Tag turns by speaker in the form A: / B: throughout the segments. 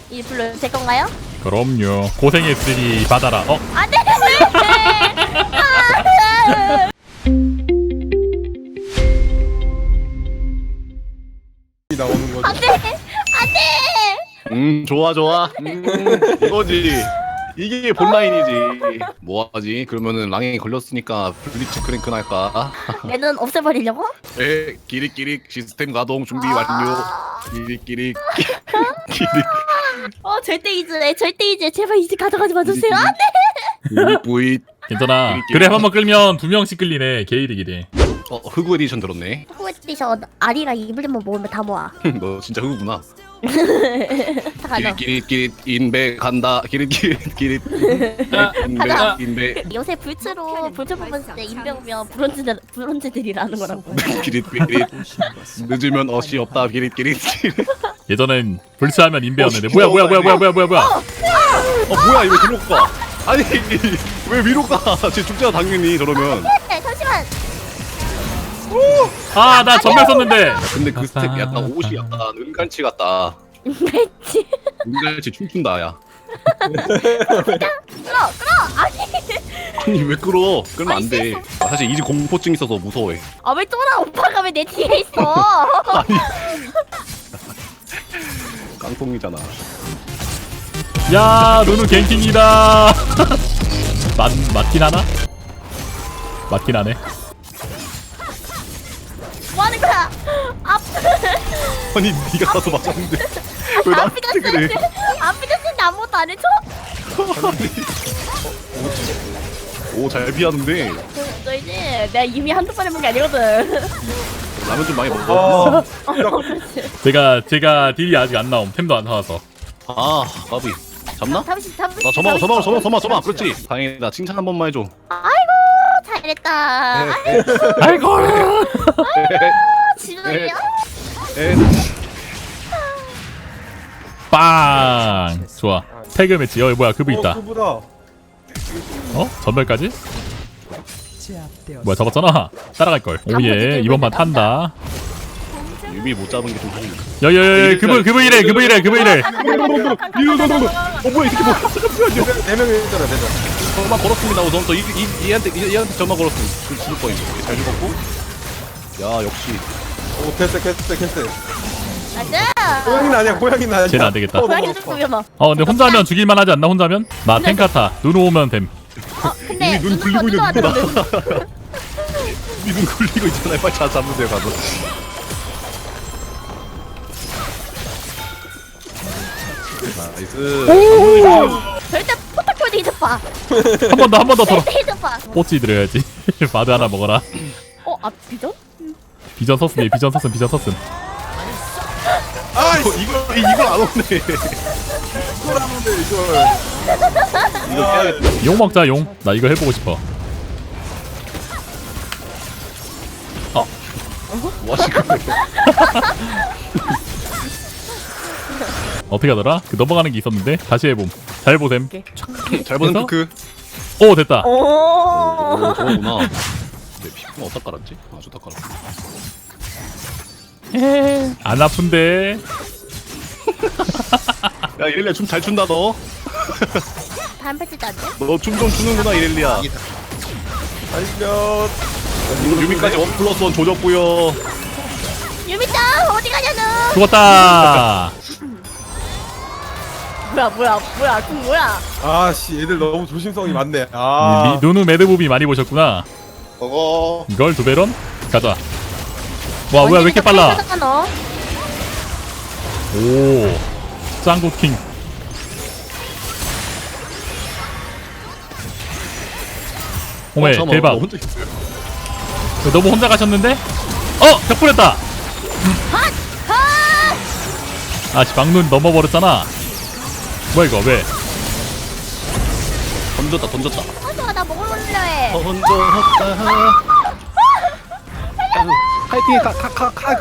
A: 이 블루 제 건가요?
B: 그럼요. 고생했으니 받아라.
A: 안돼.
C: 나오는 거죠.
A: 안돼. 안돼.
D: 좋아 좋아. 이거지. 이게 본라인이지. 뭐하지? 그러면은 랑에 걸렸으니까 블리츠 크랭크 할까?
A: 얘는 없애버리려고?
D: 에 기릭기릭 시스템 가동 준비 완료. 기릭기릭 기릭
A: 절대 이제 제발 이제 가져가지 마주세요. 안돼.
D: 부잇.
B: 괜찮아. 그래 한번 끌면 2명씩 끌리네. 게이득이래.
D: 흑우 에디션 들었네.
A: 후에디션 아리랑 이블린만 모으면 다 모아.
D: 너 진짜 흑우구나.
A: 다 가져.
D: 기릿 인베 간다. 기릿 인베
A: 가자.
D: 인베
A: 요새 불츠로 불츠 뽑았을 때 인병면 브론즈들이라는 거라고.
D: 기릿 늦으면 어시 없다. 기릿
B: 예전엔 불스하면 인베였는데.
D: 진짜
B: 뭐야.
D: 뭐야 이거 위로 가? 아니 왜 위로 가? 쟤 죽잖아 당연히 저러면.
A: 네, 잠시만.
B: 아, 나 전멸 썼는데.
D: 근데 그 스텝 약간 옷이 약간 은갈치 같다.
A: 맷지.
D: 은갈치 춤춘다 야.
A: 끌어. 아니.
D: 아니 왜 끌어? 끌면 안 돼. 사실 이제 공포증 있어서 무서워해.
A: 왜 쫄아? 오빠가 왜 내 뒤에 있어?
D: 아니 깡통이잖아.
B: 야, 누누 갱킹이다. 맞긴 하나? 맞긴 하네.
A: 뭐 하는 거야?
D: 아니 네가 가서 맞았는데 왜 나한테 그래?
A: 앞이 됐는데 아무것도 안 해줘?
D: 오잘 피하는데
A: 너 이제 내가 이미 한두 번 해본 게 아니거든.
D: 라면 좀 많이 먹어.
B: 제가 딜이 아직 안 나옴. 템도 안 사와서.
D: 아 까비 잡나?
A: 잠시.
D: 나 저마 그렇지. 다행이다. 칭찬 한 번만 해줘.
A: 아이고 잘했다.
B: 아이고.
A: 지금이야?
D: 에
B: 빵. 좋아. 태그 매치. 뭐야, 그브 있다.
C: 그보다
B: 전멸까지? 뭐야, 잡았잖아. 따라갈 걸. 오예. 이번 판 탄다.
D: 유미 못 잡은 게좀 하네.
B: 여여여, 그브 이래.
D: 뭐야 이 새끼 뭐? 잠깐만요.
C: 네 명이잖아, 네 명.
D: 저만 걸었습니다. 우선 또 얘한테 저만 걸었음. 죽을 거임. 잘 죽었고. 야 역시.
C: 오, 캐스.
A: 맞아.
C: 고양이는 아니야, 고양이는 아니야.
B: 쟤는 안 되겠다.
A: 고양이 좀 보여봐.
B: 근데 혼자면 죽일만 하지 않나, 혼자면? 나 탱카타. 누누 오면 됨.
A: 근데
D: 이미 눈 굴리고 있는 누구다. 이미 눈 굴리고 있잖아요. 빨리 잡으세요 가서. 나이스.
A: 절대 포탑골드 잊어봐.
B: 한 번 더 털어.
A: 절대 잊어봐.
B: 뽀찌 드려야지. 바드 하나 먹어라.
A: 비전?
B: 비전 썼음.
C: 아,
D: 이거 안 오네.
C: 이거라는데 이걸.
D: 이거 빼야겠다.
B: 용 먹자, 용. 나 이거 해보고 싶어.
D: 뭐 하시는 거예요?
B: 어떻게 하더라? 그 넘어가는 게 있었는데 다시 해봄. 잘 보셈.
D: 잘 보는
B: 해서?
D: 그.
B: 오, 됐다.
A: 오.
D: 저거구나. 내 피부는 어디다 깔았지? 아 저다 깔았어.
B: 안 아픈데.
D: 야 이렐리아 춤 잘 춘다 너.
A: 다음 패치도 안 돼?
D: 너 춤 좀 추는구나 이렐리아.
C: 알려.
D: 이거 유미까지 1+1 조졌고요.
A: 유미짱 어디 가냐는?
B: 죽었다.
A: 뭐야? 그 뭐야?
C: 아, 씨, 얘들 너무 조심성이 많네. 아.
B: 누누 매드무비 많이 보셨구나.
C: 저거.
B: 이걸 두배런? 가자. 와, 뭐야, 왜 이렇게 빨라?
A: 너?
B: 오, 짱구킹. 오메,
D: 잠깐만,
B: 대박.
D: 너 혼자 있어요?
B: 너무 혼자 가셨는데? 벽불했다. 아씨, 막눈 넘어버렸잖아. 뭐야 이거 왜?
D: 던졌다.
A: 나 먹으러 해.
D: 던졌다. 파이팅 카카카.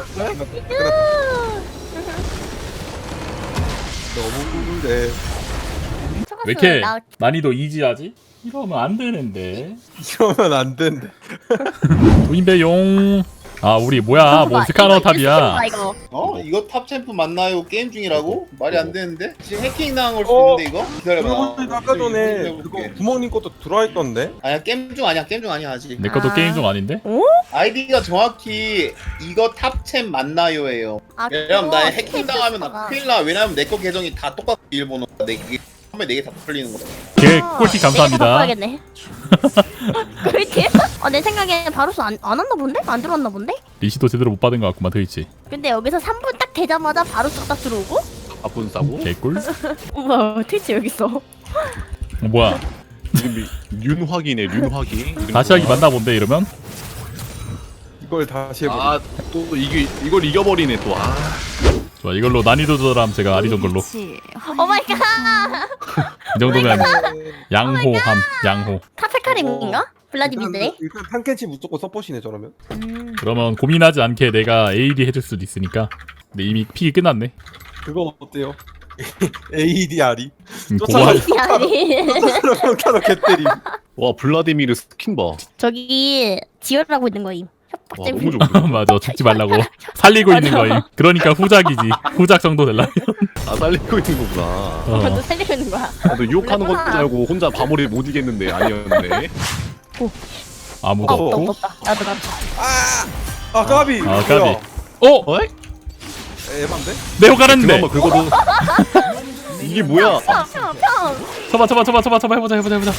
C: 너무 꿀데.
B: 왜 이렇게 난이도 이지하지? 이러면 안 되는데.
C: 이러면 안 된대.
B: 도인배용. 아 우리 뭐야 뭐 스카너 탑이야.
A: 이거.
E: 이거 탑 챔프 맞나요? 게임 중이라고? 말이 안 되는데? 지금 해킹 당한 걸 수도 있는데 이거? 기다려봐.
C: 그리고 아까 전에 그거 부모님 것도 들어와 있던데.
E: 아니야 게임 중 아니야 게임 중 아니야 아직.
B: 내 것도
A: 아.
B: 게임 중 아닌데?
E: 아이디가 정확히 이거 탑챔 맞나요예요.
A: 아,
E: 왜냐면 나 해킹
A: 스페이스
E: 당하면
A: 스타가.
E: 나 큰일 나. 왜냐면 내 거 계정이 다 똑같아 일본어. 내 이게 처음에 4개 다 풀리는 거다.
B: 개 꿀팁 감사합니다.
A: 바꿔야겠네. 꿀팁? 내 생각에 바로스 안 왔나 본데? 안 들어왔나 본데?
B: 리시도 제대로 못 받은 것 같구만 트위치.
A: 근데 여기서 3분 딱 되자마자 바로스 딱 들어오고?
D: 아픈 싸고.
B: 개꿀?
A: 우와 트위치 여기 있어.
B: 뭐야?
D: 윤확이네 윤확이.
B: 다시 하기 맞나 본데 이러면?
C: 이걸 다시 해보.
D: 아또 이걸 이겨버리네 또. 아.
B: 좋아 이걸로 난이도 조절함 제가 아리전 걸로.
A: 오 마이 갓!
B: 이 정도면 양호함 양호.
A: 카페카림인가? 블라디미르네?
C: 일단 탄켄치 무조건 서포시네 저러면.
B: 그러면 고민하지 않게 내가 AD 해줄 수도 있으니까. 근데 이미 픽이 끝났네.
C: 그거 어때요? ADR이.
B: 고마.
A: 아니
C: 평타로 개때림.
D: 와 블라디미르 스킨 봐.
A: 저기 지혈하고 있는 거임.
D: 와
A: 협박잼.
D: 너무 좋고.
B: 맞아 죽지 말라고 살리고 있는 거임. 그러니까 후작이지. 후작 정도 될라면.
D: 아 살리고 있는 거구나.
A: 먼저 살리고 있는 거야.
D: 나도 유혹하는 건 줄 알고 혼자 바모리 못 이겼는데 아니었네.
B: 아무도 없고.
A: 없다. 나도.
C: 아 까비.
B: 아 까비.
C: 뭐야.
B: 어?
D: 어이?
C: 에반데?
B: 내호 가랐는데.
D: 그만 긁어도. 이게 뭐야?
A: 평.
B: 쳐봐 해보자.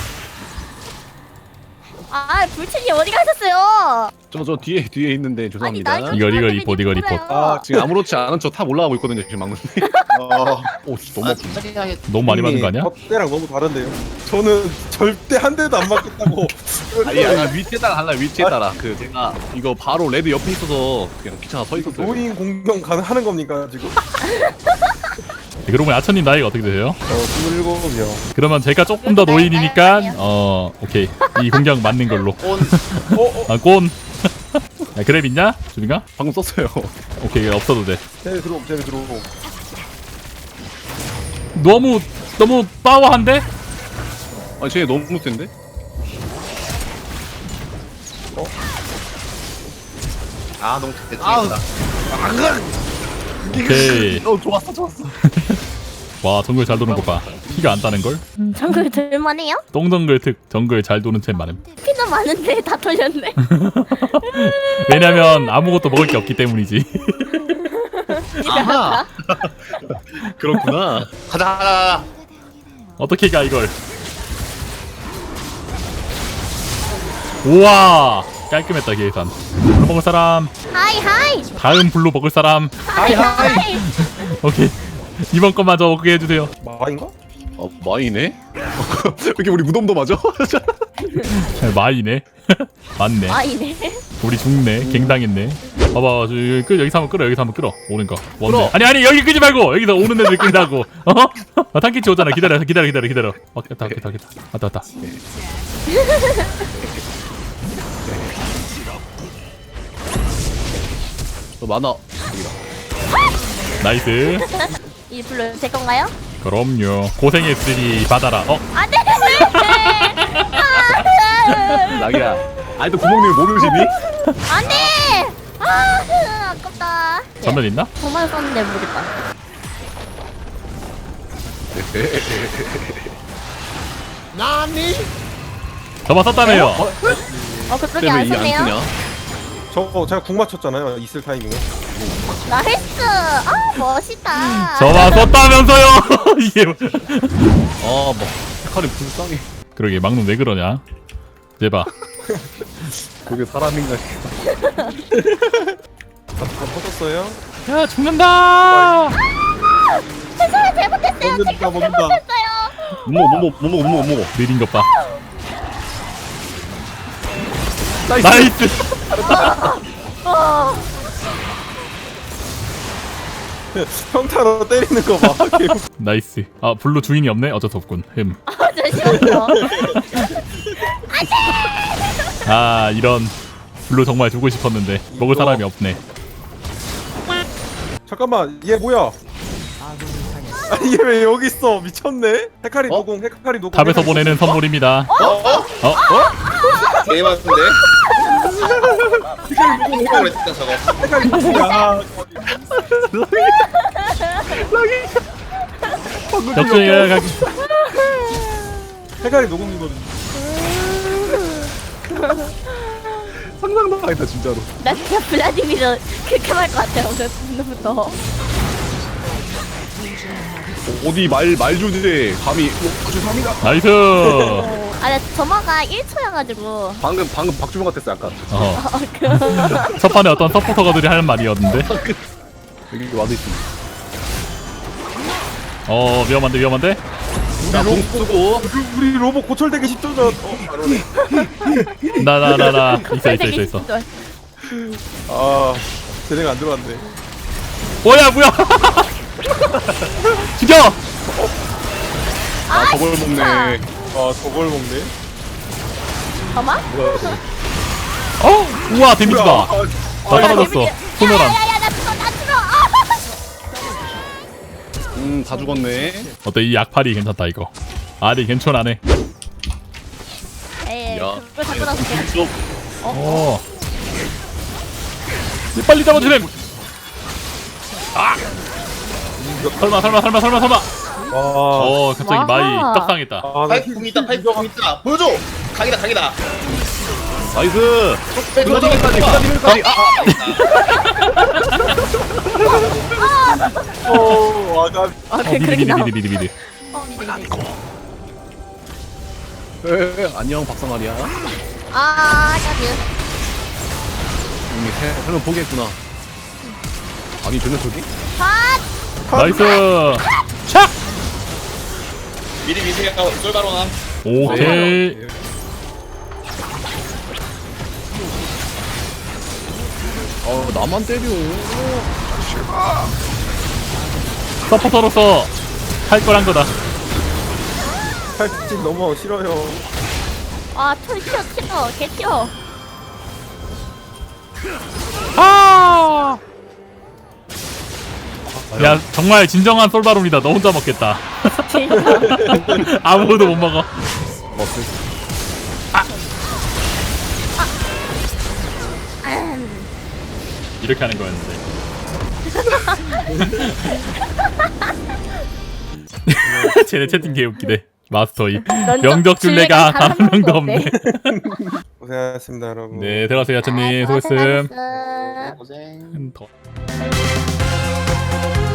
A: 아 불친이 어디 가셨어요?
D: 저 뒤에 있는데 죄송합니다.
A: 아니, 나
B: 이거 리포트.
D: 지금 아무렇지 않은 척 탑 올라가고 있거든요 지금 막는. 오 너무
B: 너무 많이 맞은 거 아니야?
C: 때랑 너무 다른데요. 저는 절대 한 대도 안 맞겠다고.
D: 아니야 위치에 따라 달라 위치에 따라 그 제가 이거 바로 레드 옆에 있어서 그냥 귀찮아 서 있었어요.
C: 노인 공격 가능하는 겁니까 지금?
B: 그러고 보니 아천님 나이가 어떻게 되세요?
C: 27이요.
B: 그러면 제가 조금 더 노인이니까 오케이 이 공격 맞는 걸로. 아 꼰. 야, 그랩 있냐? 준이가?
D: 방금 썼어요.
B: 오케이 없어도 돼.
C: 쟤네 들어오고.
B: 너무 빠워한데?
D: 아니 쟤 너무 센데?
E: 너무 대충이다.
B: 오케이.
D: 좋았어.
B: 와 정글 잘 도는 거 봐. 피가 안 따는 걸?
A: 정글 들만해요?
B: 똥정글 특 정글 잘 도는 챔 많음.
A: 피도 많은데 다 털렸네.
B: 왜냐면 아무것도 먹을 게 없기 때문이지.
D: 아하. 그렇구나.
E: 가자.
B: 어떻게 가 이걸? 우와 깔끔했다 계산. 블루 먹을 사람.
A: 하이.
B: 다음 블루 먹을 사람.
A: 하이.
B: 오케이 이번 것마저 먹게 해주세요.
C: 마인가?
D: 마이네? 이렇게 우리 무덤도 맞아?
B: 마이네. 맞네.
A: 아이네.
B: 우리 죽네. 갱당했네. 봐봐 여기서 한번 끌어. 오는 거. 원래. 아니 여기 끄지 말고 여기서 오는 애들 끈다고. 탄키치 오잖아. 기다려. 왔다.
D: 많아.
B: 나이스.
A: 이 블루 제 건가요?
B: 그럼요. 고생했으니 받아라.
A: 안돼.
D: 나기야. 아니 또 구멍님 모르시니?
A: 안돼. 아깝다.
B: 전면 있나?
A: 정말 썼는데 모르겠다.
B: 저만 썼다며요.
A: 그렇게
D: 때문에
A: 안
D: 이게 안
A: 썼네요.
D: 뜨냐?
C: 저거 제가 궁 맞췄잖아요. 있을 타이밍에.
A: 나이스. 멋있다.
B: 저만 썼다면서요. 이게
D: 뭐 헤카리 불쌍해.
B: 그러게 막놈 왜 그러냐? 제발.
D: 그게 사람인가?
C: 다 터졌어요?
B: 야 죽는다.
A: 죄송해요. 잘못했어요. 제가
C: 먹는다.
A: 잘못했어요.
D: 못 먹어.
B: 느린 것 봐.
D: 나이스.
B: 나이스.
C: 평타로 때리는 거 봐.
B: 나이스. 아 블루 주인이 없네. 어쩔 수 없군.
A: 잠시만요.
B: 아 이런 블루 정말 주고 싶었는데 먹을 사람이 없네.
C: 잠깐만 얘 뭐야? 아니 얘 왜 여기 있어? 미쳤네. 헤카리
D: 어?
C: 노공.
B: 탑에서 보내는 선물입니다.
E: 개 많은데? 그랬다 저거.
C: 야
B: 적중이야 가기.
C: 해갈이 녹음이거든.
D: 상상도 안 했다 진짜로.
A: 나 진짜 블라디미르 그렇게 말것 같아 오늘부터.
D: 어디 말 주제 감히 죄송합니다.
B: 나이스.
A: 아나 점화가 1초여가지고.
D: 방금 박주영 같았어 약간.
B: 첫 판에 어떤 서포터가들이 하는 말이었는데.
D: 여기 와도 있습니다.
B: 위험한데.
D: 자공 쓰고
C: 우리 로봇 고철되기 10초 전. 바로네.
B: 나 있어.
C: 아 재능 안 들어왔네.
B: 뭐야 죽여.
D: 아 저걸 먹네.
C: 아 저걸 먹네.
A: 점화?
D: 뭐야 저거.
B: 우와 데미지다.
C: 아,
B: 나 떨어졌어. 소멸함.
A: 야야야 나 죽어.
D: 다 죽었네.
B: 어때 이 약팔이 괜찮다 이거. 아니 괜찮아네.
A: 에이
D: 야.
A: 그걸 잡고 나서 그냥.
D: 좀
B: 빨리 잡아주렴. 설마.
C: 와.
B: 갑자기
A: 와.
B: 마이 떡상했다.
C: 아, 나
E: 파이프 궁 있다. 파이프 궁 있다. 보여줘. 각이다.
D: 나이스.
E: 기다리면까지.
A: 아 그렇게 나와.
B: 미드.
A: 미드.
D: 안녕 박상아리야.
A: 까비.
D: 이미 설명 포기했구나. 아니 쟤네 저기?
B: 나이스. 촥.
E: 미리 미세가 쏠바로나.
B: 오케이.
D: 나만 때려.
B: 서포터로서 할 걸 한 거다.
C: 팔찌 너무 싫어요.
A: 털 튀어. 개 튀어.
B: 야 정말 진정한 솔바론이다. 너 혼자 먹겠다. 아무도 못 먹어.
D: 먹을.
B: 이렇게 하는 거였는데. 쟤네 채팅 개웃기네. 마스터이 명적 줄레가 단 한 명도 없네.
C: 고생하셨습니다 여러분.
B: 네 들어가세요 야채님. 수고했음.
A: 고생하셨어.
E: 고생.
B: 더.